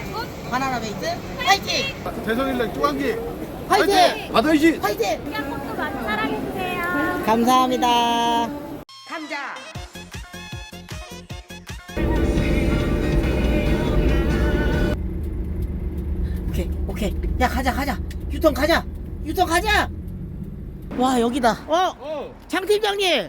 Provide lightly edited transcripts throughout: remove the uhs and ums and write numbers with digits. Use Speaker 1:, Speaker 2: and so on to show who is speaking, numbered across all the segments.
Speaker 1: 바나나 베이트 화이팅!
Speaker 2: 대성일렉 뚜간기
Speaker 1: 화이팅!
Speaker 2: 받아야지.
Speaker 1: 화이팅!
Speaker 3: 냥국도 많이 사랑해주세요.
Speaker 1: 감사합니다. 감자. 오케이. 야 가자. 유턴 가자. 와 여기다. 장 팀장님.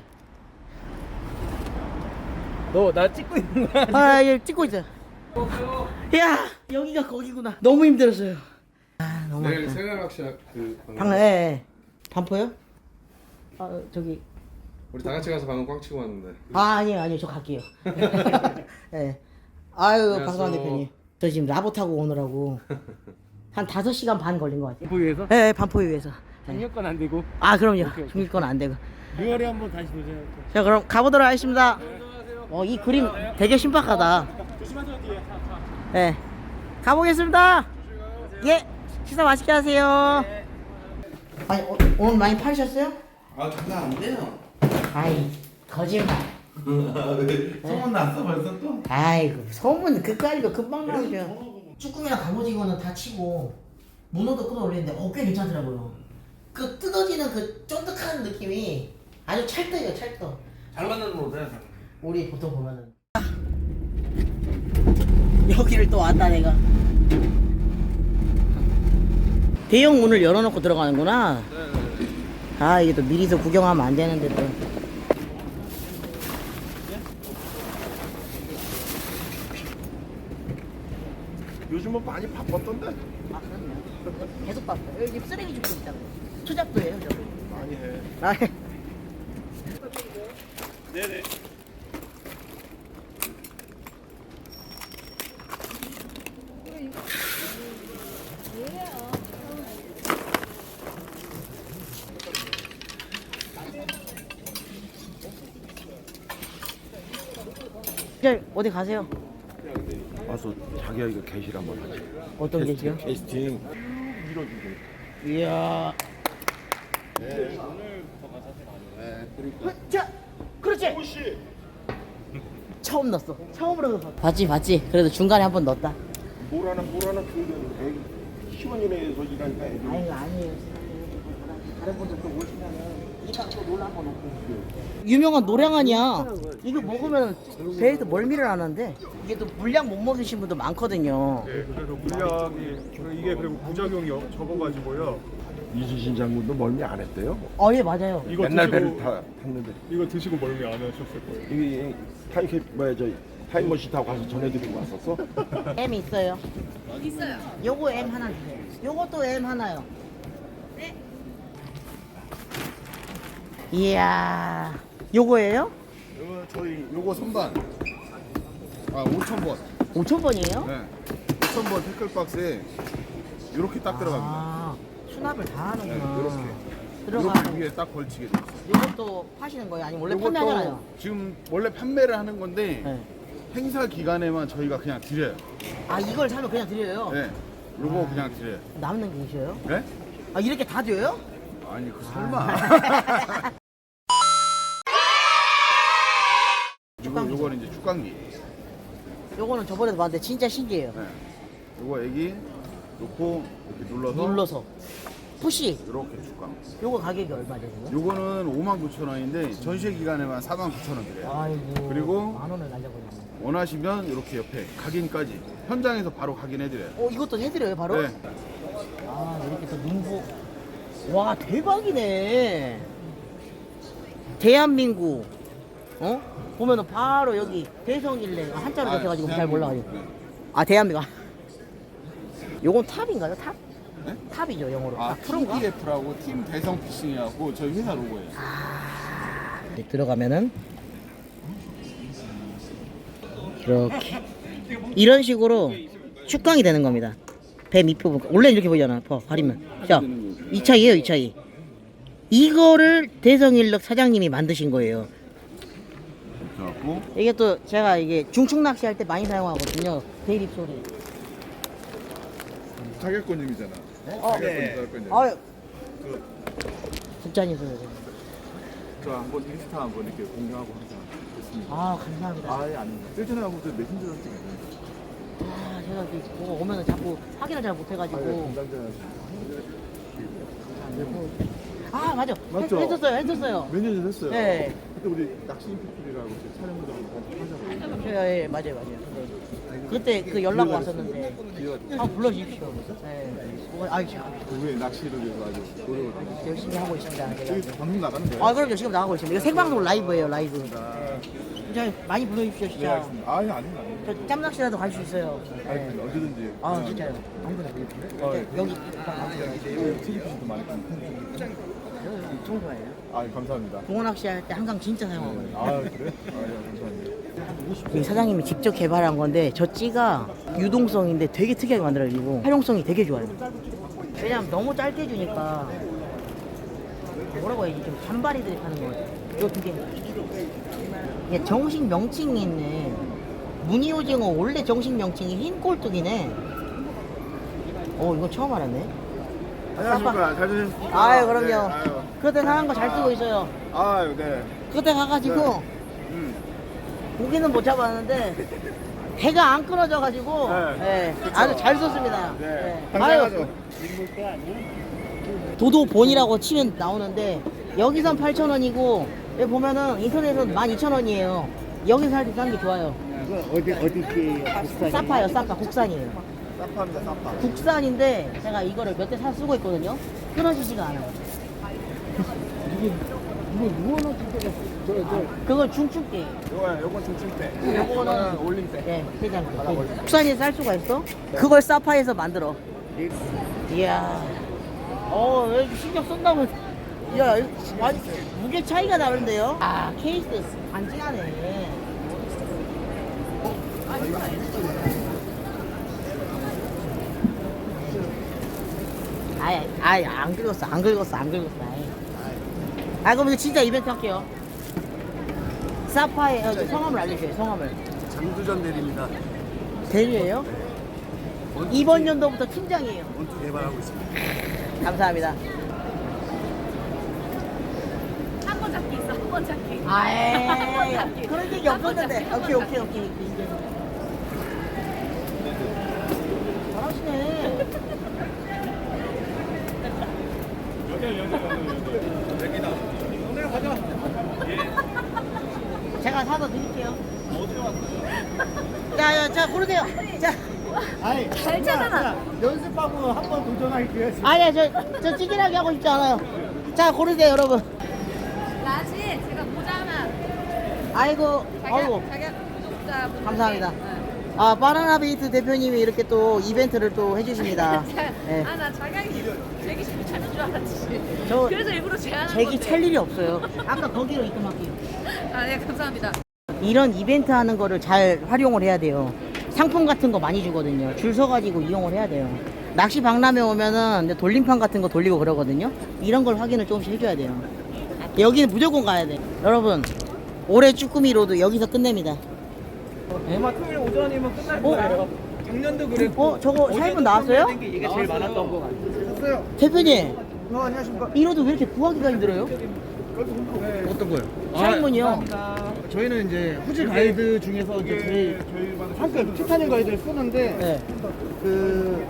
Speaker 2: 너 나 찍고 있는 거야?
Speaker 1: 아, 예, 찍고 있어요. 야, 여기가 거기구나. 너무 힘들었어요. 아, 너무
Speaker 2: 내일
Speaker 1: 아프다.
Speaker 2: 생활학시학
Speaker 1: 반포요? 아, 저기.
Speaker 2: 우리 다 같이 가서 방금 꽉 치고 왔는데.
Speaker 1: 아, 아니요, 저 갈게요. 예. 아유,
Speaker 2: 안녕하세요.
Speaker 1: 방송한 대표님. 저 지금 라보 타고 오느라고 한 5시간 반 걸린 것 같아요.
Speaker 4: 보유해서
Speaker 1: 예, 반포에 위해서.
Speaker 4: 장려권 안 되고
Speaker 1: 아, 그럼요. 중립권 안 되고.
Speaker 4: 6월에 한번 다시 보세요.
Speaker 1: 자, 그럼 가보도록 하겠습니다. 이 그림 되게 신박하다.
Speaker 4: 조심하세요 뒤에.
Speaker 1: 네. 가보겠습니다. 예. 식사 맛있게 하세요. 아니, 오늘 많이 팔으셨어요?
Speaker 2: 아 장난 안 돼요.
Speaker 1: 아이, 거짓말.
Speaker 2: 소문 났어 벌써 또.
Speaker 1: 아이고, 소문 그까이도 금방 나오죠. 쭈꾸미랑 갑오징어는 다 치고 문어도 끌어올리는데 꽤 괜찮더라고요. 그 뜯어지는 그 쫀득한 느낌이 아주 찰떡이에요, 찰떡.
Speaker 2: 잘 만나는 거네.
Speaker 1: 우리 보통 보면은 여기를 또 왔다 내가. 대형 문을 열어놓고 들어가는구나. 아, 이게 또 미리서 구경하면 안 되는데 또.
Speaker 2: 요즘은 많이 바빴던데.
Speaker 1: 아, 그럼요. 계속 봤어요. 여기 쓰레기 줍고 있다고. 투잡도 해요, 저거.
Speaker 2: 많이 해.
Speaker 1: 아,
Speaker 4: 네네.
Speaker 1: 이제 어디 가세요?
Speaker 2: 와서 자기야 이거 게시를 한번 하지.
Speaker 1: 어떤 게시요?
Speaker 2: 캐스팅.
Speaker 1: 이야. 자, 그렇지. 처음 넣었어. 처음으로 넣었어. 봤지. 그래도 중간에 한 번 넣었다.
Speaker 2: 뭘 하나 그 시원이네에서 일하니까 애들이.
Speaker 1: 아니에요. 다른 분들 또 오시면은 이따 또 놀러 한번 오고. 유명한 노량 아니야. 이거 먹으면 배에서 멀미를 안 하는데 이게 또 물량 못 먹으신 분도 많거든요.
Speaker 5: 네, 그래서 물약이 이게 그리고 부작용이 적어가지고요.
Speaker 2: 이지신 장군도 멀미 안 했대요.
Speaker 1: 예, 맞아요.
Speaker 5: 이거
Speaker 2: 맨날
Speaker 5: 드시고
Speaker 2: 배를 탔는데.
Speaker 5: 이거 드시고 멀미 안 하셨을 거예요.
Speaker 2: 이게 타임머신 타고 가서 전해드리고 왔었어?
Speaker 1: M 있어요. 있어요. 요거 M 하나 주세요. 요것도 M 하나요. 네. 이야. 요거예요?
Speaker 2: 요거 선반. 5,000번.
Speaker 1: 5,000번이에요?
Speaker 2: 네. 5,000번 태클박스에 이렇게 딱 들어갑니다.
Speaker 1: 아, 수납을 다
Speaker 2: 네,
Speaker 1: 하는구나.
Speaker 2: 이렇게.
Speaker 1: 들어가.
Speaker 2: 이렇게 위에 딱 걸치게 돼 있어요.
Speaker 1: 요것도 파시는 거예요? 아니면 원래 판매하잖아요.
Speaker 2: 지금 원래 판매를 하는 건데
Speaker 1: 네.
Speaker 2: 행사 기간에만 저희가 그냥 드려요.
Speaker 1: 아, 이걸 사면 그냥 드려요?
Speaker 2: 네. 요거 그냥 드려요.
Speaker 1: 남는 게 있어요?
Speaker 2: 네?
Speaker 1: 아, 이렇게 다 줘요?
Speaker 2: 아니 그 설마. 요거는 이제 축광기.
Speaker 1: 요거는 저번에도 봤는데 진짜 신기해요.
Speaker 2: 네. 요거 애기 놓고 이렇게 눌러서
Speaker 1: 눌러서. 푸시.
Speaker 2: 이렇게 축광.
Speaker 1: 요거 가격이 얼마죠? 이거?
Speaker 2: 요거는 59,000원인데 전시회 기간에만 49,000원 드려요.
Speaker 1: 아이고.
Speaker 2: 그리고
Speaker 1: 만 원을 날려버렸네.
Speaker 2: 원하시면 이렇게 옆에 각인까지 현장에서 바로 각인해드려요.
Speaker 1: 이것도 해드려요, 바로?
Speaker 2: 네.
Speaker 1: 아, 이렇게 또 민고. 와, 대박이네. 대한민국. 보면은 바로 여기 대성일래. 한자로 적혀가지고 잘 몰라가지고.
Speaker 2: 네.
Speaker 1: 아, 대한민국. 요건 탑인가요? 탑?
Speaker 2: 네?
Speaker 1: 탑이죠, 영어로.
Speaker 2: 아,
Speaker 1: 프로인가?
Speaker 2: TDF라고 팀 대성 피싱이라고 저희 회사 로고예요.
Speaker 1: 이렇게 들어가면은 이렇게 이런 식으로 축광이 되는 겁니다. 배 밑부분 원래 이렇게 보이잖아. 가리면 자, 이 차이에요, 이 차이. 이거를 대성일력 사장님이 만드신 거예요.
Speaker 2: 그래갖고
Speaker 1: 이게 또 제가 이게 중축 낚시할 때 많이 사용하거든요. 대립 소리.
Speaker 2: 타격권님이잖아. 타격권님.
Speaker 1: 아유, 진짜니 소리.
Speaker 2: 저 한번 인스타 한번 이렇게 공개하고 하자. 됐습니다.
Speaker 1: 아, 감사합니다.
Speaker 2: 아예 아닙니다. 예전에 한번 메신저로 찍었는데.
Speaker 1: 아, 생각이 있고 오면은 자꾸 확인을 잘 못해가지고. 아 맞아.
Speaker 2: 맞죠?
Speaker 1: 했었어요.
Speaker 2: 몇 년 전 했어요.
Speaker 1: 네.
Speaker 2: 그때 우리 낚시 인피플이라고 촬영장 같이 하잖아요.
Speaker 1: 예, 맞아요. 네. 그때 그 연락 왔었는데. 아 불러주십시오. 네. 아이 참
Speaker 2: 그게 낚시를 위해서 아주 노력을 하고
Speaker 1: 열심히 하고 있습니다. 제가.
Speaker 2: 여기 방송 나가는 거예요?
Speaker 1: 아 그럼요. 지금 나가고 있습니다. 이거 생방송 라이브예요. 라이브. 진짜 많이 불러주십시오.
Speaker 2: 네,
Speaker 1: 진짜.
Speaker 2: 알겠습니다. 아니 아닙니다.
Speaker 1: 저 짬낚시라도 갈 수 있어요. 네.
Speaker 2: 알겠습니다. 언제든지.
Speaker 1: 아 진짜요. 아무거나.
Speaker 2: 예.
Speaker 1: 여기
Speaker 2: 튀김도 많이
Speaker 1: 좋은 거예요.
Speaker 2: 아 감사합니다.
Speaker 1: 붕어 낚시할 때 한강 진짜 사용하거든요.
Speaker 2: 아 그래? 아 감사합니다.
Speaker 1: 이 사장님이 직접 개발한 건데 저 찌가 유동성인데 되게 특이하게 만들어지고 활용성이 되게 좋아요. 왜냐면 너무 짧게 주니까 뭐라고 해야지 좀 잔바리들이 파는 거 같아요. 이거 두 개. 이게 정식 명칭이 있네. 무늬오징어 원래 정식 명칭이 흰 꼴뚜기네. 이거 처음 알았네.
Speaker 2: 안녕하십니까. 잘 지내셨습니까?
Speaker 1: 아유 그럼요.
Speaker 2: 네, 아유.
Speaker 1: 그때 사는 거 잘 쓰고 있어요.
Speaker 2: 아유 네.
Speaker 1: 그때 가가지고 고기는 못 잡았는데 배가 안 끊어져가지고
Speaker 2: 네.
Speaker 1: 예, 아주 잘 썼습니다.
Speaker 2: 네.
Speaker 1: 예.
Speaker 2: 감사하죠.
Speaker 1: 도도본이라고 치면 나오는데 여기선 8,000원이고 여기 보면은 인터넷은 12,000원이에요. 여기서 살 때 싼 게 좋아요.
Speaker 4: 어디 게
Speaker 1: 사파요, 사파 국산이에요.
Speaker 2: 사파입니다. 사파.
Speaker 1: 국산인데 제가 이거를 몇 대 사 쓰고 있거든요. 끊어지지가 않아요. 그걸 중축대.
Speaker 2: 요건 중층대.
Speaker 1: 요거는
Speaker 2: 올림대.
Speaker 1: 네, 대장. 국산이 쌀 수가 있어? 그걸 사파에서 만들어. 이야. 여기 신경 쓴다고. 야, 이거 완전 무게 차이가 나는데요? 아, 케이스 반지하네. 아이, 안 긁었어. 그럼 이거 진짜 이벤트 할게요. 사파의 성함을 알려줘요, 성함을.
Speaker 5: 장두전 대리입니다.
Speaker 1: 대리예요? 이번 연도부터 팀장이에요.
Speaker 5: 원투 개발하고 있습니다.
Speaker 1: 감사합니다.
Speaker 3: 한 번 잡기 있어, 한 번 잡기.
Speaker 1: 아이, 그런 얘기 없었는데. 오케이. 잘하시네. 제가 사서 드릴게요. 자, 고르세요. 자.
Speaker 4: 아니
Speaker 3: 잘 찾아놔.
Speaker 4: 연습하고 한 번 도전할게요.
Speaker 1: 아니야, 저 찌질하게 하고 싶지 않아요. 자, 고르세요, 여러분.
Speaker 3: 나지, 제가 모자 하나.
Speaker 1: 아이고.
Speaker 3: 자기야 구독자.
Speaker 1: 감사합니다. 아, 바나나베이트 대표님이 이렇게 또 이벤트를 또 해주십니다. 네.
Speaker 3: 나 자격이 제기 좀 찾는 줄 알았지.
Speaker 1: 저
Speaker 3: 그래서 일부러 제안한
Speaker 1: 제기
Speaker 3: 건데.
Speaker 1: 찰 일이 없어요. 아까 거기로 입금할게요.
Speaker 3: 네, 감사합니다.
Speaker 1: 이런 이벤트 하는 거를 잘 활용을 해야 돼요. 상품 같은 거 많이 주거든요. 줄 서가지고 이용을 해야 돼요. 낚시 박람회 오면은 이제 돌림판 같은 거 돌리고 그러거든요. 이런 걸 확인을 조금씩 해줘야 돼요. 여기는 무조건 가야 돼. 여러분, 올해 쭈꾸미 로드 여기서 끝냅니다. 네?
Speaker 4: 아마 토요일 오전이면 끝날
Speaker 1: 어?
Speaker 4: 거예요. 작년도 그랬고.
Speaker 1: 저거 샤이분 나왔어요?
Speaker 4: 이게 제일 많았던 거 같아요.
Speaker 1: 대표님,
Speaker 5: 안녕하십니까.
Speaker 1: 이 로드 왜 이렇게 구하기가 힘들어요?
Speaker 5: 어떤 거요?
Speaker 1: 샤이분이요.
Speaker 5: 저희는 이제 후지 가이드 중에서 이제 제일 한급 티타늄 가이드를 쓰는데
Speaker 1: 네.
Speaker 5: 그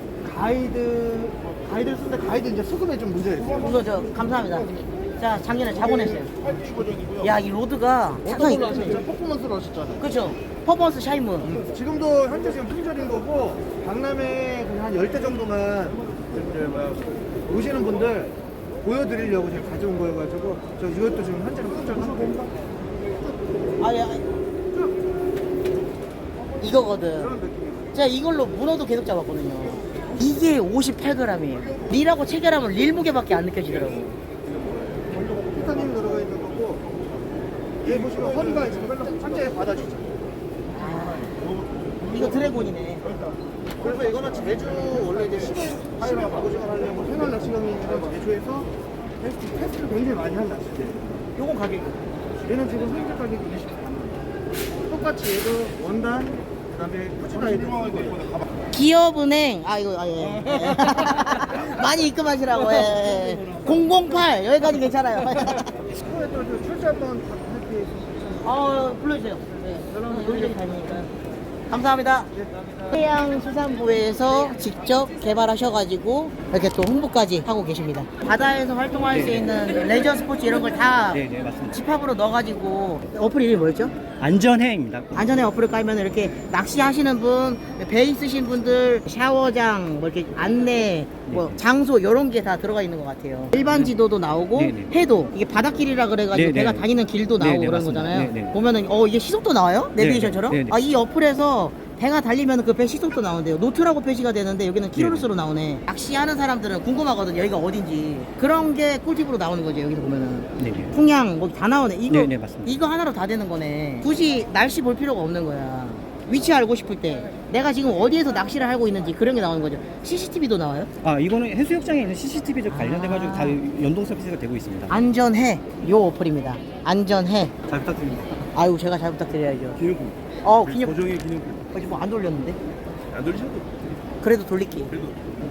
Speaker 5: 가이드를 쓰는데 가이드 이제 수급에 좀 문제가 있어요.
Speaker 1: 이거 감사합니다. 자, 작년에 자본했어요. 야, 이 로드가
Speaker 5: 어떤 걸로
Speaker 1: 상당히
Speaker 5: 하셨죠? 퍼포먼스로 하셨잖아요.
Speaker 1: 그렇죠. 퍼포먼스 샤이문.
Speaker 5: 지금도 현재 지금 품절인 거고 박람회 그냥 한 10대 정도만 오시는 분들 보여드리려고 제가 가져온 거여가지고 저 이것도 지금 현재는 품절하고
Speaker 1: 이거거든. 제가 이걸로 문어도 계속 잡았거든요. 이게 58g이에요. 릴하고 체결하면 릴 무게밖에 안 느껴지더라고.
Speaker 5: 티타늄이 들어가 있는 거고 얘 보시면 허리가 지금 현재 받아주죠.
Speaker 1: 이거 드래곤이네.
Speaker 5: 그래서 이거는 제주 원래 이제 10월 갑오징어 하려고 생활 낚시경이랑 제주에서 테스트를 굉장히 많이 한 낚시대예요.
Speaker 1: 요건 가격이.
Speaker 5: 얘는 지금 현재 가격이 24만 원. 똑같이 얘도 원단 그다음에 후지 가이드
Speaker 1: 기업은행, 예. 많이 입금하시라고, 예. 008, 여기까지 괜찮아요.
Speaker 5: 후에 또 출제 한번 할게
Speaker 1: 불러주세요. 네. 저는 여기저기 다니니까. 감사합니다. 해양수산부에서 직접 개발하셔가지고 이렇게 또 홍보까지 하고 계십니다. 바다에서 활동할 수 있는 레저 스포츠 이런 걸 다
Speaker 6: 네, 맞습니다.
Speaker 1: 집합으로 넣어가지고 어플 이름이 뭐였죠?
Speaker 6: 안전해입니다.
Speaker 1: 안전에 어플을 깔면 이렇게 낚시하시는 분, 배 있으신 분들, 샤워장, 뭐 이렇게 안내, 뭐 장소 이런 게 다 들어가 있는 것 같아요. 일반 지도도 나오고
Speaker 6: 네네.
Speaker 1: 해도 이게 바닷길이라 그래가지고
Speaker 6: 네네.
Speaker 1: 배가 다니는 길도 나오고
Speaker 6: 네네,
Speaker 1: 그런
Speaker 6: 맞습니다.
Speaker 1: 거잖아요.
Speaker 6: 네네.
Speaker 1: 보면은 이게 시속도 나와요? 내비게이션처럼?
Speaker 6: 네네.
Speaker 1: 아, 이 어플에서 배가 달리면 그 배 시속도 나온대요. 노트라고 표시가 되는데 여기는 킬로수로 나오네. 낚시하는 사람들은 궁금하거든요. 여기가 어딘지. 그런 게 꿀팁으로 나오는 거죠. 여기서 보면은.
Speaker 6: 네네.
Speaker 1: 풍향 뭐 다 나오네. 이거
Speaker 6: 네네, 맞습니다.
Speaker 1: 이거 하나로 다 되는 거네. 굳이 날씨 볼 필요가 없는 거야. 위치 알고 싶을 때 내가 지금 어디에서 낚시를 하고 있는지 그런 게 나오는 거죠. CCTV도 나와요?
Speaker 6: 아, 이거는 해수욕장에 있는 CCTV에 관련돼가지고 다 연동 서비스가 되고 있습니다.
Speaker 1: 안전해 요 어플입니다. 안전해.
Speaker 2: 잘 부탁드립니다.
Speaker 1: 아유 제가 잘 부탁드려야죠.
Speaker 2: 기념품.
Speaker 1: 기념.
Speaker 2: 고정의 기념품.
Speaker 1: 아직 뭐 안 돌렸는데?
Speaker 2: 안 돌리셔도.
Speaker 1: 그래도 돌릴게요.
Speaker 2: 그래도.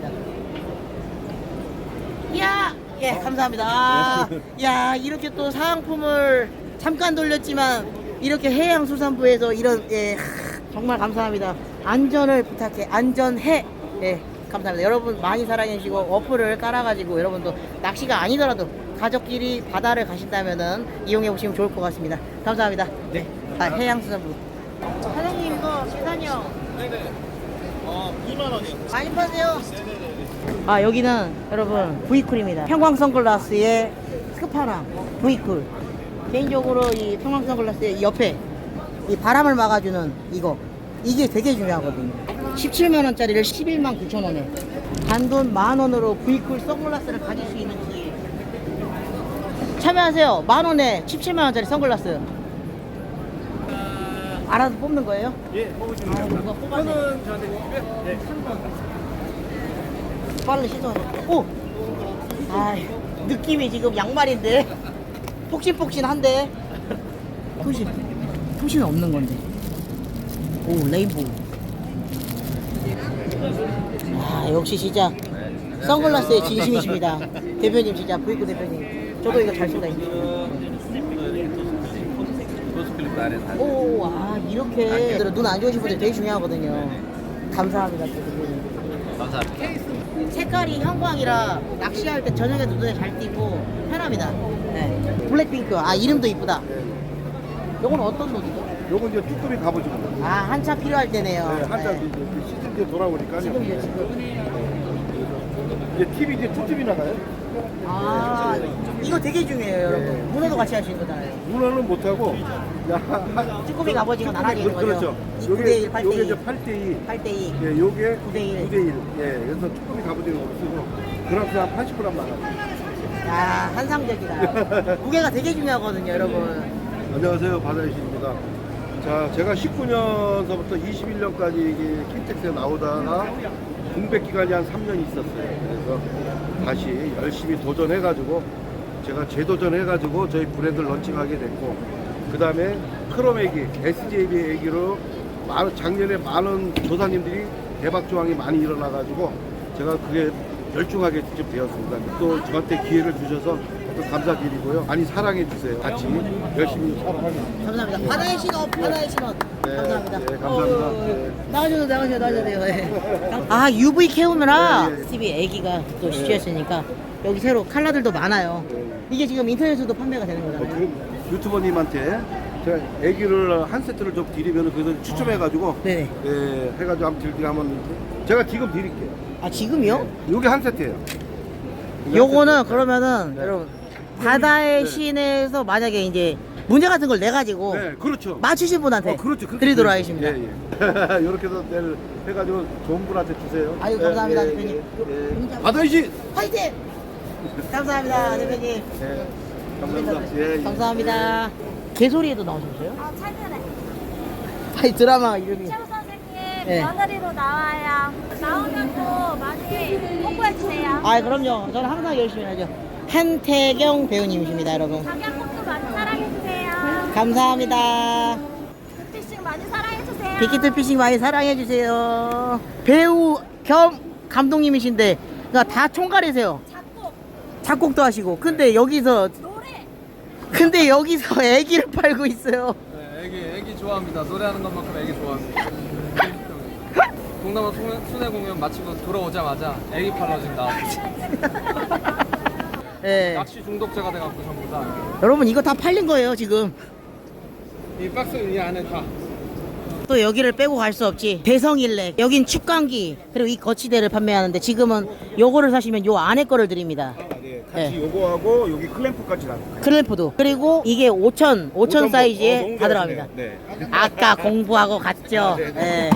Speaker 1: 야, 예 감사합니다. 야 이렇게 또 사은품을 잠깐 돌렸지만 이렇게 해양수산부에서 이런 정말 감사합니다. 안전을 부탁해. 안전해. 예 감사합니다. 여러분 많이 사랑해 주시고 어플을 깔아가지고 여러분도 낚시가 아니더라도 가족끼리 바다를 가신다면은 이용해 보시면 좋을 것 같습니다. 감사합니다. 네. 해양수산부. 사장님 이거 계산이요. 네네. 2만 원이요. 많이 파세요. 아 여기는 여러분 V쿨입니다. 평광 선글라스의 스파랑 V쿨. 개인적으로 이 평광 선글라스의 이 옆에 이 바람을 막아주는 이게 되게 중요하거든요. 17만 원짜리를 11만 9천 원에 단돈 만 원으로 V쿨 선글라스를 가질 수 있는 기회. 참여하세요. 만 원에 17만 원짜리 선글라스. 알아서 뽑는 거예요?
Speaker 4: 예, 뽑으시면 됩니다.
Speaker 1: 누가 뽑았네.
Speaker 4: 저는 저한테 주시고요. 네, 3번.
Speaker 1: 빨리 시도해. 오! 아 느낌이 지금 양말인데 폭신폭신한데 토시는 없는 건데. 오 레인보우. 아 역시 진짜 선글라스의 진심이십니다. 대표님 진짜 부이크 대표님. 저도 이거 잘 쓴다. 오, 아 이렇게 눈 안 좋으신 분들 되게 중요하거든요. 감사합니다, 대표님. 감사합니다. 색깔이 형광이라 낚시할 때 저녁에 눈에 잘 띄고 편합니다. 네. 블랙핑크. 아 이름도 이쁘다. 요건 어떤 노트죠?
Speaker 2: 요거 이제 쭈꾸미 갑오징어.
Speaker 1: 아 한참 필요할 때네요.
Speaker 2: 네, 한참
Speaker 1: 네.
Speaker 2: 이제 시즌 때 돌아오니까요.
Speaker 1: 지금이요 지금.
Speaker 2: 이제 TV 이제 투팁이 나가요.
Speaker 1: 아 이거 되게 중요해요, 여러분. 문어도 같이 할 수 있는 거잖아요.
Speaker 2: 문어는 못하고
Speaker 1: 쭈꾸미 갑오징어 나란히 있는 거죠.
Speaker 2: 그렇죠.
Speaker 1: 9대1, 8대2.
Speaker 2: 요게 이제 8대2.
Speaker 1: 8대2.
Speaker 2: 예, 요게
Speaker 1: 9대1.
Speaker 2: 9대1. 예, 그래서 쭈꾸미 갑오징어로 쓰고 그램수 한 80g 나가요.
Speaker 1: 아 환상적이다. 무게가 되게 중요하거든요, 여러분.
Speaker 2: 안녕하세요, 바다의 신입니다. 자, 제가 19년서부터 21년까지 이게 킨텍스에 나오다가 공백 기간이 한 3년 있었어요. 그래서 다시 열심히 도전해가지고 제가 재도전해가지고 저희 브랜드를 런칭하게 됐고, 그 다음에 크롬애기, SJB 애기로 작년에 많은 조사님들이 대박 조항이 많이 일어나가지고 제가 그게 열중하게 직접 되었습니다. 또 저한테 기회를 주셔서 또 감사드리고요. 많이 사랑해 주세요. 같이 열심히 살아가겠습니다.
Speaker 1: 감사합니다. 바다의 신업, 바다의 신업.
Speaker 2: 네,
Speaker 1: 감사합니다.
Speaker 2: 네, 감사합니다.
Speaker 1: 나가셔도 돼요. 네. 아, UV 캐오메라.
Speaker 2: 네, 네.
Speaker 1: TV 애기가 또 시주했으니까 여기 새로 컬러들도 많아요. 이게 지금 인터넷에서도 판매가 되는 거잖아요.
Speaker 2: 지금 유튜버님한테 제가 애기를 한 세트를 좀 드리면 그래서 추첨해가지고
Speaker 1: 네네.
Speaker 2: 예, 해가지고 한번 드리게 하면 제가 지금 드릴게요.
Speaker 1: 아, 지금요?
Speaker 2: 요게 한 세트예요.
Speaker 1: 요거는 그러면은
Speaker 2: 네.
Speaker 1: 여러분 바다의
Speaker 2: 네.
Speaker 1: 신에서 만약에 이제 문제 같은 걸 내 가지고
Speaker 2: 네, 그렇죠.
Speaker 1: 맞추신 분한테
Speaker 2: 그렇죠. 그렇게
Speaker 1: 드리도록
Speaker 2: 드리죠.
Speaker 1: 하겠습니다.
Speaker 2: 예, 예. 이렇게 해서 내일 해가지고 좋은 분한테 주세요.
Speaker 1: 아유, 감사합니다,
Speaker 2: 예,
Speaker 1: 대표님.
Speaker 2: 예. 바다이시.
Speaker 1: 화이팅! 감사합니다, 대표님.
Speaker 2: 예, 감사합니다. 예, 예.
Speaker 1: 감사합니다. 개소리에도 나오셨어요?
Speaker 7: 최근에
Speaker 1: 아니 드라마 이름이.
Speaker 7: 최우 선생님
Speaker 1: 네.
Speaker 7: 며느리로 나와요. 나오면 또 많이 홍보해주세요.
Speaker 1: 아 그럼요. 저는 항상 열심히 하죠. 한태경 배우님이십니다, 여러분.
Speaker 7: 장양국도 많이 사랑해주세요.
Speaker 1: 감사합니다.
Speaker 7: 굿피싱 많이 사랑해주세요.
Speaker 1: 빅히트 피싱 많이 사랑해주세요. 배우 겸 감독님이신데, 그러니까 다 총괄이세요.
Speaker 7: 작곡,
Speaker 1: 작곡도 하시고. 근데 여기서
Speaker 7: 노래.
Speaker 1: 애기를 팔고 있어요.
Speaker 8: 네, 애기 좋아합니다. 노래하는 것만큼 애기 좋아합니다. 동남아 순회 공연 마치고 돌아오자마자 애기 팔러진 나왔지.
Speaker 1: 예.
Speaker 8: 낚시 중독자가 돼갖고 전부 다.
Speaker 1: 여러분 이거 다 팔린 거예요 지금.
Speaker 8: 이 박스 이 안에 다.
Speaker 1: 또 여기를 빼고 갈 수 없지. 대성일렉. 여긴 축광기 그리고 이 거치대를 판매하는데 지금은 요거를 사시면 요 안에 거를 드립니다.
Speaker 5: 네,
Speaker 1: 같이
Speaker 5: 요거하고 여기 클램프까지 나.
Speaker 1: 클램프도. 그리고 이게 5천 사이즈에 다 들어갑니다.
Speaker 5: 네.
Speaker 1: 아까 공부하고 갔죠. 네.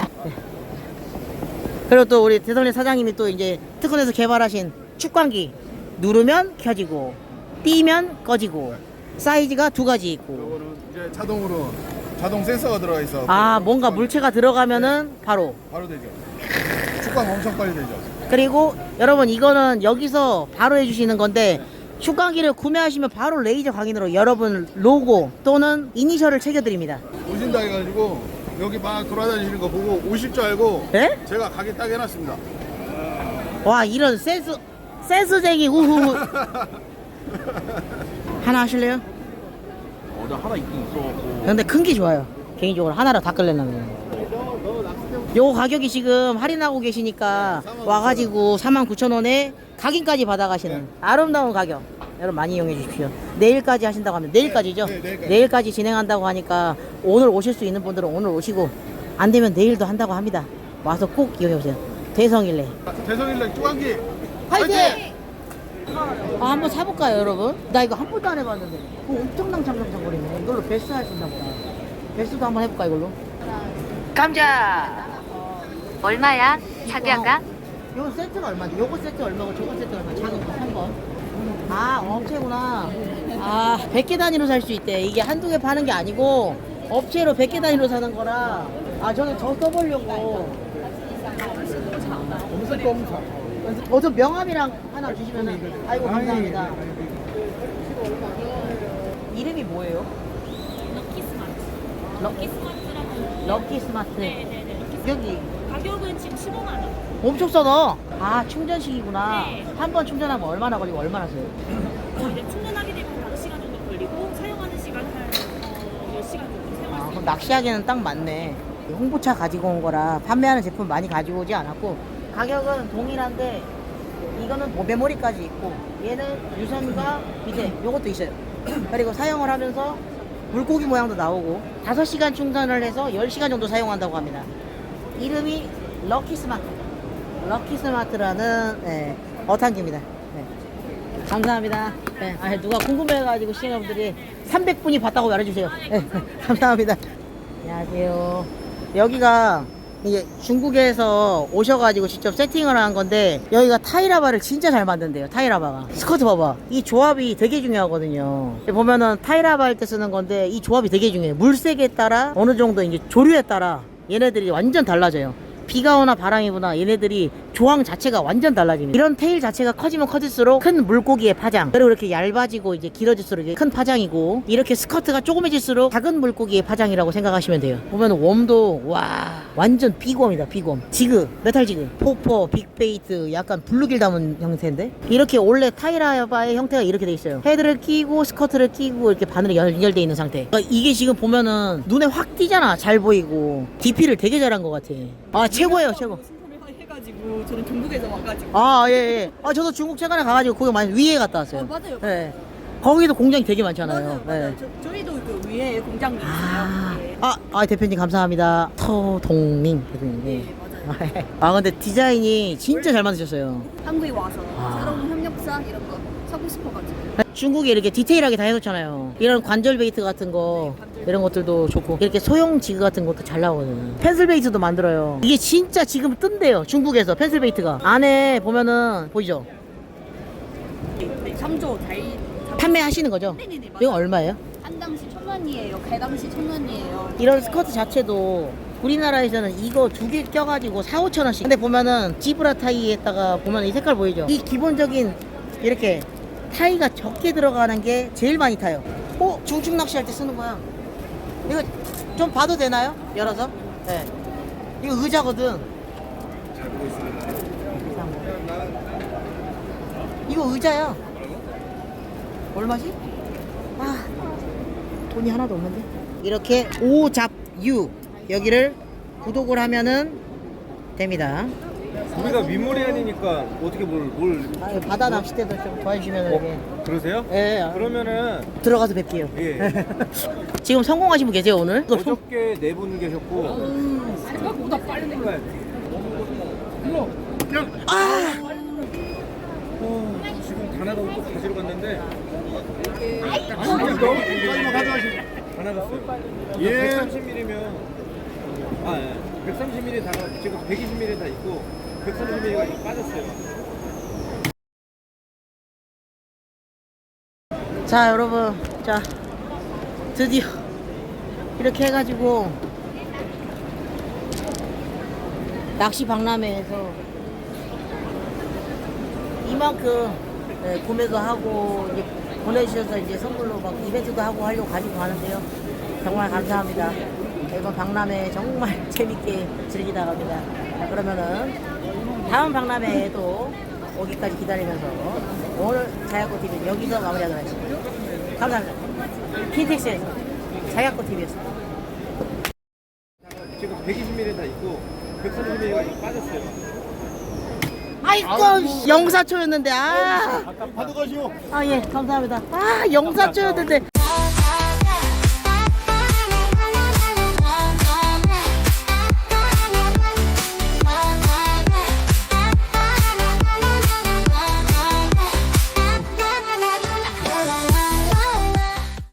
Speaker 1: 그리고 또 우리 대성일 사장님이 또 이제 특허에서 개발하신 축광기. 누르면 켜지고 띄면 꺼지고 사이즈가 두 가지 있고.
Speaker 2: 이거는 이제 자동으로 자동 센서가 들어가 있어.
Speaker 1: 아 뭔가 물체가 들어가면은 바로.
Speaker 2: 바로 되죠. 축광 엄청 빨리 되죠.
Speaker 1: 그리고 여러분 이거는 여기서 바로 해주시는 건데 축광기를 구매하시면 바로 레이저 광인으로 여러분 로고 또는 이니셜을 새겨드립니다.
Speaker 2: 오신다 해가지고 여기 막 돌아다니시는 거 보고 오실 줄 알고
Speaker 1: 네?
Speaker 2: 제가 가게 딱 해놨습니다.
Speaker 1: 와 이런 센스쟁이 우후. 하나 하실래요?
Speaker 2: 나 하나 있긴 있어.
Speaker 1: 근데 큰 게 좋아요. 개인적으로 하나로 다 끌려면. 요 가격이 지금 할인하고 계시니까 와가지고 49,000원에 각인까지 받아가시는 아름다운 가격. 여러분 많이 이용해 주십시오. 내일까지 하신다고 하면 내일까지죠? 내일까지 진행한다고 하니까 오늘 오실 수 있는 분들은 오늘 오시고 안 되면 내일도 한다고 합니다. 와서 꼭 이용해 보세요. 대성일래.
Speaker 2: 대성일렉 축광기
Speaker 1: 화이팅! 아, 한번 사볼까요, 여러분? 나 이거 한 번도 안 해봤는데. 엄청난 장장장거리네. 이걸로 베스 할 수 있나 보다. 베스도 한번 해볼까, 이걸로? 감자!
Speaker 3: 얼마야? 자기야가?
Speaker 1: 요거 세트가 얼마지? 요거 세트 얼마고 저거 세트 얼마? 작은 거, 3번. 아, 업체구나. 아, 100개 단위로 살 수 있대. 이게 한두 개 파는 게 아니고, 업체로 100개 단위로 사는 거라. 아, 저는 저 써보려고. 저 명함이랑 하나 주시면은 아이고 감사합니다. 이름이 뭐예요?
Speaker 7: 럭키스마트라고.
Speaker 1: 럭키스마트.
Speaker 7: 네네네.
Speaker 1: 여기
Speaker 7: 가격은 지금 15만 원.
Speaker 1: 엄청 싸다. 아 충전식이구나.
Speaker 7: 네.
Speaker 1: 한 번 충전하면 얼마나 걸리고 얼마나 써요?
Speaker 7: 이제 충전하게 되면 5시간 정도 걸리고 사용하는 시간 한 10시간 정도
Speaker 1: 아,
Speaker 7: 사용할 수
Speaker 1: 그럼 낚시하기에는 딱 맞네. 홍보차 가지고 온 거라 판매하는 제품 많이 가지고 오지 않았고 가격은 동일한데 이거는 뭐 메모리까지 있고 얘는 유선과 비대 요것도 있어요. 그리고 사용을 하면서 물고기 모양도 나오고 5시간 충전을 해서 10시간 정도 사용한다고 합니다. 이름이 럭키스마트. 럭키스마트라는 네, 어탄기입니다. 네. 감사합니다. 네, 아, 누가 궁금해가지고 시청자분들이 300분이 봤다고 말해주세요. 네, 감사합니다. 안녕하세요. 여기가 이게 중국에서 오셔가지고 직접 세팅을 한 건데 여기가 타이라바를 진짜 잘 만든대요. 타이라바가 스커트 봐봐. 이 조합이 되게 중요하거든요. 보면은 타이라바 할 때 쓰는 건데 이 조합이 되게 중요해요. 물색에 따라 어느 정도 이제 조류에 따라 얘네들이 완전 달라져요. 비가 오나 바람이 부나 얘네들이 조항 자체가 완전 달라집니다. 이런 테일 자체가 커지면 커질수록 큰 물고기의 파장, 그리고 이렇게 얇아지고 이제 길어질수록 이게 큰 파장이고, 이렇게 스커트가 조그매질수록 작은 물고기의 파장이라고 생각하시면 돼요. 보면 웜도 와 완전 빅웜이다. 빅웜, 지그, 메탈 지그, 포퍼, 빅베이트, 약간 블루길 담은 형태인데, 이렇게 원래 타이라바의 형태가 이렇게 돼 있어요. 헤드를 끼고 스커트를 끼고 이렇게 바늘이 연결돼 있는 상태. 그러니까 이게 지금 보면은 눈에 확 띄잖아. 잘 보이고 DP를 되게 잘한 것 같아. 아 최고예요, 최고.
Speaker 3: 해가지고 저는 중국에서 와가지고.
Speaker 1: 아, 예, 예. 아, 저도 중국 최근에 가가지고 거기 많이 위에 갔다 왔어요.
Speaker 3: 맞아요.
Speaker 1: 예. 거기도 공장이 되게 많잖아요.
Speaker 3: 맞아요.
Speaker 1: 예.
Speaker 3: 저희도 그 위에 공장이 있어요. 네.
Speaker 1: 대표님 감사합니다. 터동민 대표님. 예.
Speaker 3: 네, 맞아요.
Speaker 1: 아, 근데 디자인이 진짜 잘 만드셨어요.
Speaker 3: 한국에 와서
Speaker 1: 아.
Speaker 3: 새로운 협력사 이런 거 사고 싶어가지고.
Speaker 1: 중국이 이렇게 디테일하게 다 해놓잖아요. 이런 관절 베이트 같은 거, 이런 것들도 좋고, 이렇게 소형 지그 같은 것도 잘 나오거든요. 펜슬 베이트도 만들어요. 이게 진짜 지금 뜬대요. 중국에서 펜슬 베이트가. 안에 보면은 보이죠?
Speaker 3: 네, 3조 잘
Speaker 1: 판매하시는 거죠?
Speaker 3: 네네네, 맞아요.
Speaker 1: 이거 얼마예요?
Speaker 3: 한 당시 1,000원이에요. 개당시 1,000원이에요.
Speaker 1: 이런 스커트 자체도 우리나라에서는 이거 2개 껴가지고 4,000~5,000원씩. 근데 보면은 지브라 타이에다가 보면 이 색깔 보이죠? 이 기본적인 이렇게 타이가 적게 들어가는 게 제일 많이 타요. 중축 낚시할 때 쓰는 거야. 이거 좀 봐도 되나요? 열어서? 네. 이거 의자거든. 잘 보고 있습니다. 이거 의자야. 얼마지? 아, 돈이 하나도 없는데. 이렇게 오잡유 여기를 구독을 하면은 됩니다.
Speaker 5: 우리가 윗머리안이니까 어떻게 뭘
Speaker 1: 아, 바다 낚싯대도 좀 도와주시면 이렇게.
Speaker 5: 그러세요?
Speaker 1: 예.
Speaker 5: 그러면은
Speaker 1: 들어가서 뵐게요.
Speaker 5: 예.
Speaker 1: 지금 성공하신 분 계세요 오늘?
Speaker 5: 어저께 네 분 계셨고 생각보다 빨리 눌러야 돼. 지금 가나다 또 가지러 갔는데 진짜 가져가시고 다 나갔어요. 예. 130mm면 130mm 다 지금 120mm 다 있고 130mm가 빠졌어요.
Speaker 1: 자 여러분, 자 드디어 이렇게 해가지고 낚시 박람회에서 이만큼 구매도 하고 이제 보내주셔서 이제 선물로 막 이벤트도 하고 하려고 가지고 가는데요. 정말 감사합니다. 이번 박람회 정말 재밌게 즐기다 갑니다. 자, 그러면은 다음 박람회에도 오기까지 기다리면서 오늘 자약꽃TV는 여기서 마무리하도록 하겠습니다. 감사합니다. 킨텍스에서 자약꽃TV였습니다.
Speaker 5: 지금 120mm 다 있고 130mm가 빠졌어요.
Speaker 1: 아이고 영사초였는데 아.
Speaker 2: 받아가시오.
Speaker 1: 아 예 감사합니다. 아 영사초였는데.